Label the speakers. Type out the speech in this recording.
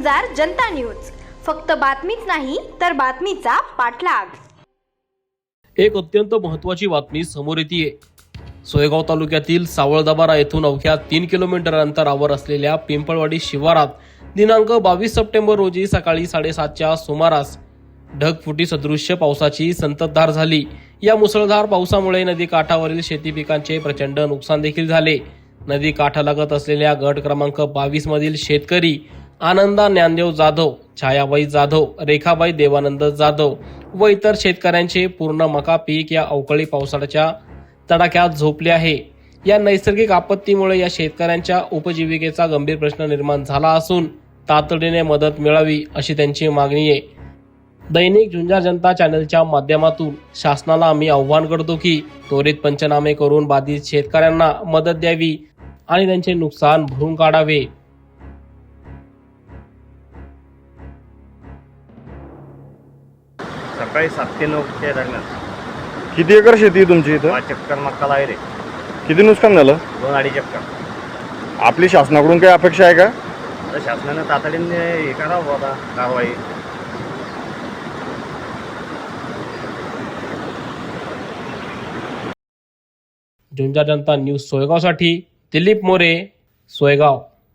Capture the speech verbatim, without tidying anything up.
Speaker 1: झुंजार Janata news, फक्त बातमीच नाही तर बातमीचा पाठलाग।
Speaker 2: एक अत्यंत महत्त्वाची बातमी समोर येते। सोयगाव तालुक्यातील सावळदबारा येथून अवघ्या तीन किलोमीटर अंतरावर असलेल्या पिंपळवाडी शिवारात दिनांक बावीस सप्टेंबर रोजी सकाळी साडेसातच्या सुमारास ढगफुटी सदृश्य पावसाची संततधार झाली। या मुसळधार पावसामुळे नदी काठावरील शेती पिकांचे प्रचंड नुकसान देखील झाले। नदी काठालगत असलेल्या गट क्रमांक बावीस मधील शेतकरी आनंदा ज्ञानदेव जाधव, छायाबाई जाधव, रेखाबाई देवानंद जाधव व इतर शेतकऱ्यांचे पूर्ण मका पीक या अवकाळी पावसाच्या तडाख्यात झोपले आहे। या नैसर्गिक आपत्तीमुळे या शेतकऱ्यांच्या उपजीविकेचा गंभीर प्रश्न निर्माण झाला असून तातडीने मदत मिळावी अशी त्यांची मागणी आहे। दैनिक झुंजार जनता चॅनलच्या माध्यमातून शासनाला आम्ही आव्हान करतो की त्वरित पंचनामे करून बाधित शेतकऱ्यांना मदत द्यावी आणि त्यांचे नुकसान भरून काढावे।
Speaker 3: सकाळी सात ते नऊच्या दरम्यान
Speaker 4: किती एकर शेती आहे तुमची इथं?
Speaker 3: पाच चक्कर मक्का आहे रे।
Speaker 4: किती नुकसान झालं?
Speaker 3: दोन अडीच चक्कर।
Speaker 4: आपली शासनाकडून काही अपेक्षा आहे का?
Speaker 3: तर शासनानं तातडीने हे करावं आता कारवाई।
Speaker 2: झुंजार जनता न्यूज सोयगावसाठी दिलीप मोरे, सोयगाव।